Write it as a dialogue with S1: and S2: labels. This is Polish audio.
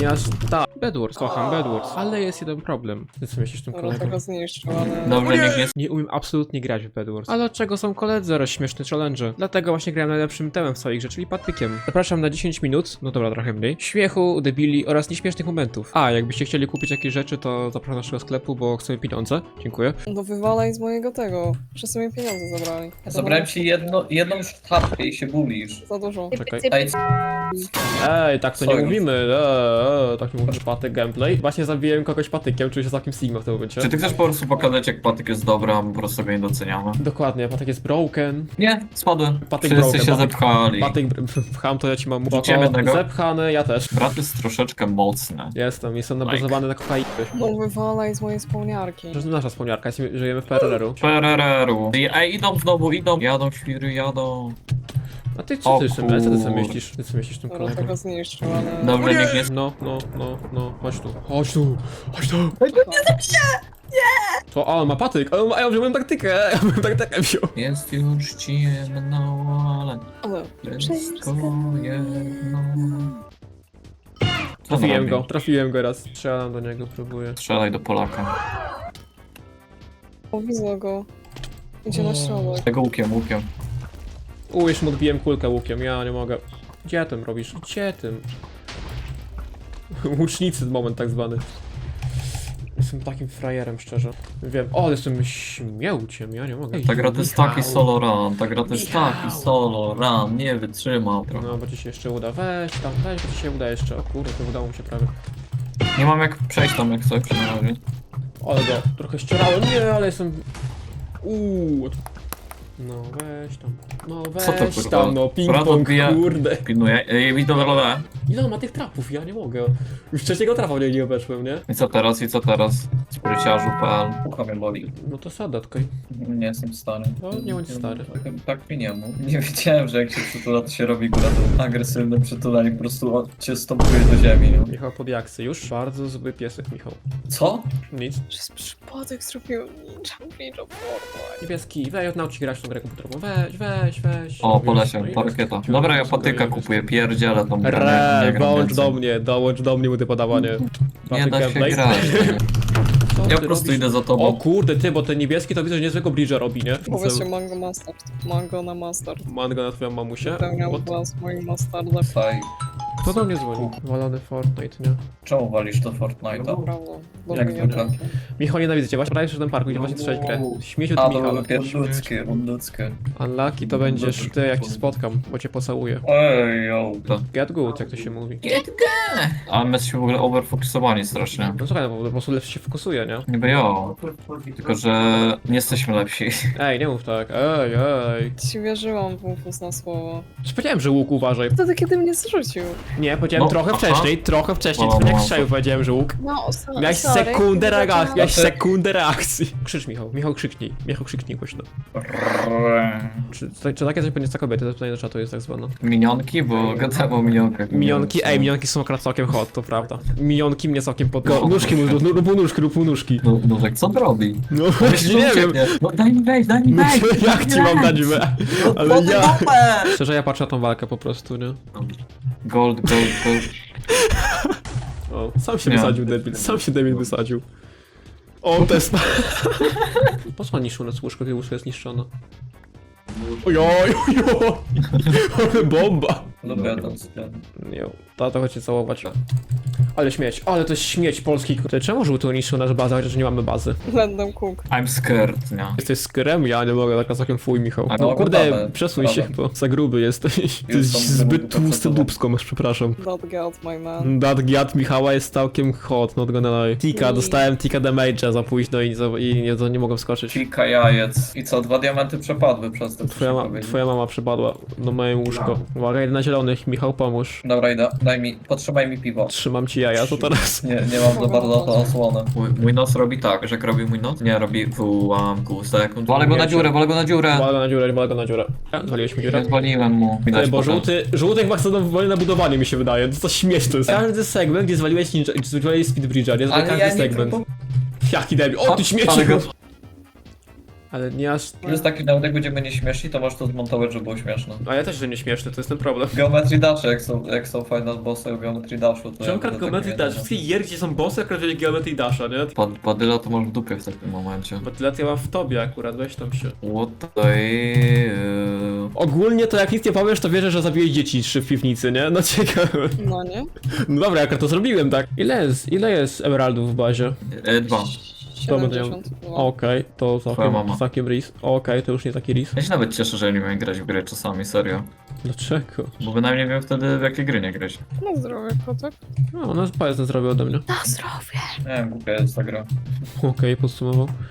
S1: nie aż tak. Bedwars, kocham Bedwars, ale jest jeden problem. Ty co myślisz tym
S2: Dobra,
S1: kolegą?
S2: tego zniszczył, ale...
S3: Dobrze, nikt nie...
S1: Nie umiem absolutnie grać w Bedwars. Ale od czego są koledzy oraz śmieszne challenge? Dlatego właśnie grałem najlepszym temem w swoich rzeczy, czyli patykiem. Zapraszam na 10 minut, no dobra, trochę mniej, śmiechu, debili oraz nieśmiesznych momentów. A, jakbyście chcieli kupić jakieś rzeczy, to zapraszam do naszego sklepu, bo chcemy pieniądze. Dziękuję.
S2: No wywalaj z mojego tego. Wszyscy mi pieniądze zabrali.
S3: Zabrałem ci jedną sztabkę i się bulisz.
S2: Za dużo.
S1: Czekaj.
S3: Ej,
S1: Ej, tak to nie
S3: Sorry.
S1: mówimy. Tak nie mówisz patyk gameplay. Właśnie zabiłem kogoś patykiem, czuję się całkiem Sigma w tym momencie.
S3: czy ty chcesz po prostu pokazać, jak patyk jest dobry, a my po prostu go nie doceniamy?
S1: Dokładnie, patyk jest broken.
S3: Nie, spadłem.
S1: Patyk
S3: Wszyscy
S1: broken,
S3: się
S1: patyk-
S3: zepchali.
S1: Patyk pcham, to ja ci mam
S3: Rzuciłem
S1: oko
S3: jednego.
S1: zepchany, ja też.
S3: Brat jest troszeczkę mocny.
S1: Jestem nabuzowany na kokainę.
S2: No wywalaj z mojej spełniarki.
S1: To jest nasza wspomniarka, żyjemy w PRR-u.
S3: PRR-u. Ej, idą znowu, idą. Jadą, świry, jadą.
S1: A ty co
S3: O
S1: ty, Szymel? Co ty co
S3: kur-
S1: myślisz? Ty co myślisz tym
S2: Dobra,
S1: kolegą?
S2: tego zniszczył, ale...
S3: Dobrze, nikt nie...
S1: No, chodź tu. Chodź tu! To, a on ma patyk, a ja wziąłem taktykę, ja bym taktykę wziął.
S3: Jest już ciemno, ale
S2: Ale...
S3: wszystko jedno. Co on
S1: Trafiłem go raz. Strzelam do niego, próbuję.
S3: Strzelaj do Polaka.
S2: O, widzę go. Idzie na środek.
S3: Tego łukiem.
S1: Już mu odbiłem kulkę łukiem, ja nie mogę. Gdzie tym robisz? Gdzie tym? Łucznicy moment tak zwany. Jestem takim frajerem, szczerze. Wiem, o, jestem śmiałciem, ja nie mogę.
S3: Ta gra to jest taki
S1: Michał.
S3: solo run, ta gra to jest
S1: Michał.
S3: taki solo run, nie wytrzymał trochę.
S1: No, bo ci się jeszcze uda. Weź, bo ci się uda jeszcze. O kurde, to udało mi się prawie.
S3: Nie mam jak przejść tam jak coś na razie.
S1: Ale go trochę ścierałem, nie, ale jestem... No weź tam,
S3: Co to, kurwa?
S1: tam, no
S3: Brat
S1: ping-pong,
S3: odbija-
S1: kurde.
S3: Pilnuję, widzę rolę.
S1: Ile on ma tych trapów? Ja nie mogę. Już trzeciego trafa nie obeszłem, nie?
S3: I co teraz? Spryciarzu.pl. Ucha mnie boli.
S1: No to sadatkaj.
S3: Nie jestem stary.
S1: No, nie bądź stary.
S3: Tak mi nie mów. Nie wiedziałem, że jak się przytula, to się robi góra to agresywne przytulanie, po prostu cię stopuje do ziemi, no.
S1: Michał pod jaksy, już bardzo zły piesek, Michał.
S3: Co?
S1: Nic.
S2: Przez przypadek zrobiłem ninja Fortnite.
S1: Niebieski, weź naucz grać w tą grę komputerową, weź.
S3: O,
S1: No
S3: po
S1: już,
S3: lesie,
S1: no i
S3: to
S1: jest.
S3: rakieta. Dobra, ja patyka kupuję, pierdzielę tą grę. nie gram
S1: Dołącz
S3: więcej.
S1: do mnie mu te podawanie.
S3: Nie
S1: Patyk
S3: da się
S1: gameplay.
S3: grać.
S1: Co
S3: Ja
S1: ty
S3: po prostu
S1: robisz?
S3: idę za
S1: O
S3: tobą.
S1: kurde, ty, bo ten niebieski to widzę, że niezłego bridge'a robi, nie?
S2: Powiedzcie mango mustard. Mango na mustard.
S1: Mango na twoją mamusię.
S2: Wypełniam
S1: What?
S2: was moim mustardem.
S3: Faj.
S1: Kto do mnie dzwoni? Walony Fortnite, nie?
S3: Czemu walisz to Fortnite'a?
S2: Naprawdę. Do
S3: Jak
S2: mnie
S3: zwykle.
S1: Michał, nienawidzę cię, właśnie prawie przy tym parku, idzie właśnie strzeć grę. Śmieciu ty,
S3: A,
S1: Michał.
S3: to ludzkie.
S1: Unlucky to będziesz ty, jak cię spotkam, bo cię pocałuję.
S3: Ej, yo.
S1: Get good, jak to się mówi.
S3: A my jesteśmy w ogóle overfokusowani strasznie.
S1: No słuchaj, no, po prostu lepszy się fokusuje, nie?
S3: Niby jo. Tylko, że nie jesteśmy lepsi.
S1: Ej, nie mów tak, ej.
S2: Ci wierzyłam w ufus na słowo.
S1: Już powiedziałem, że łuk uważaj.
S2: Wtedy kiedy mnie zrzucił.
S1: Nie, powiedziałem
S3: No,
S1: trochę
S3: aha.
S1: wcześniej,
S3: O,
S1: jak
S3: no.
S1: strzelił powiedziałem, że łuk.
S2: No,
S1: Miałeś
S2: sorry.
S1: sekundę reakcji, miałeś
S3: Znaczy-
S1: sekundę reakcji. Krzycz Michał krzyknij głośno. Czy takie coś będzie za kobiety? To pytanie do czatu jest tak zwane.
S3: Minionki, bo gadałem o minionkach.
S1: Minionki są akurat całkiem hot, to prawda. Minionki mnie całkiem pod... Nóżki mu, rób mu nóżki.
S3: No, Nóżek, co on robi?
S1: No
S3: Myślę,
S1: właśnie
S3: że
S1: nie wiem.
S3: ucieknie. No daj mi wejść, daj mi wejść!
S1: Jak ci mam dać ale ja...
S3: Dupę!
S1: Szczerze, ja patrzę na tą walkę po prostu, nie?
S3: Gold.
S1: O, sam się
S3: Nie.
S1: wysadził debil, wysadził. O, test. Po niszczą nas łóżko, kiedy łóżko jest niszczone? Ojoj, ale bomba.
S3: Lubię ten sklep.
S1: Nie, tato chodźcie całować. Ale śmieć, ale to jest śmieć polski. Czemu żółty niszczył nasz bazę, chociaż nie mamy bazy?
S2: Random cook.
S3: I'm scared, nie?
S1: Jesteś skyrem? Ja nie mogę, tak całkiem fuj, Michał.
S3: A
S1: No
S3: no,
S1: kurde,
S3: gotowe.
S1: przesuń się, bo za gruby jesteś. Ty jesteś
S3: tam
S1: zbyt
S3: gruby,
S1: tłusty
S3: to co to?
S1: dupsko, masz, przepraszam.
S2: That got my man.
S1: That giat Michała jest całkiem hot, not gonna lie. Tika, dostałem tika damage'a za późno i nie mogłem skoczyć.
S3: Kilka jajec. I co, 2 diamenty przepadły przez to, co się powiedzieć.
S1: Twoja mama przypadła do moje łóżko. Uwaga, idę na zielonych, Michał pomóż.
S3: Dobra, idę. Potrzymaj mi piwo.
S1: Trzymam ci jaja, to teraz.
S3: Nie mam za bardzo to osłonę. Mój nos robi tak, że jak robi mój nos? Nie, robi w ułamku sekund. Walę go na dziurę.
S1: Wal go na dziurę. Zwaliłeś mi dziurę.
S3: Nie zwaliłem mu.
S1: Ty,
S3: Widać
S1: bo
S3: potem.
S1: żółty chyba chce wolne na budowanie, mi się wydaje. To coś śmieszne jest. Każdy segment, gdzie zwaliłeś ninja, gdzie zwaliłeś speedbridge'a, nie?
S3: Ale
S1: Każdy
S3: ja nie
S1: segment.
S3: próbowałem.
S1: Jaki debil. O, ty śmieci!
S3: Ale go-
S1: Ale nie aż...
S3: To jest taki, nawet jak będziemy nieśmieszni, to możesz to zmontować, żeby było śmieszne.
S1: A ja też, że nie śmieszny, to jest ten problem.
S3: Geometry Dashe, jak są fajne bossy w Geometry Dashu, to
S1: Czemu akurat Geometry Dash? Wszystkie gier, gdzie są bossy, akurat wzięli Geometry Dasha, nie?
S3: Padyla to masz w dupie w takim momencie.
S1: Bo tyle ja mam w tobie akurat, weź tam się.
S3: What the...
S1: Ogólnie to jak nic nie powiesz, to wierzę, że zabiłeś dzieci 3 w piwnicy, nie? No ciekawe.
S2: No nie?
S1: No dobra, jak to zrobiłem, tak? Ile jest emeraldów w bazie?
S3: 2.
S1: To będę miał-
S2: 72.
S1: Okej, to
S3: Twoja mama.
S1: całkiem ris. Okej, to już nie taki ris.
S3: Ja się nawet cieszę, że nie umiem grać w gry czasami, serio.
S1: Dlaczego?
S3: Bo bynajmniej wiem wtedy, w jakie gry nie grać.
S2: Na zdrowie, kotek.
S1: No, ona jest zrobił ode mnie.
S2: Na zdrowie.
S3: Nie wiem, głupia jest ta gra.
S1: Okej, podsumował.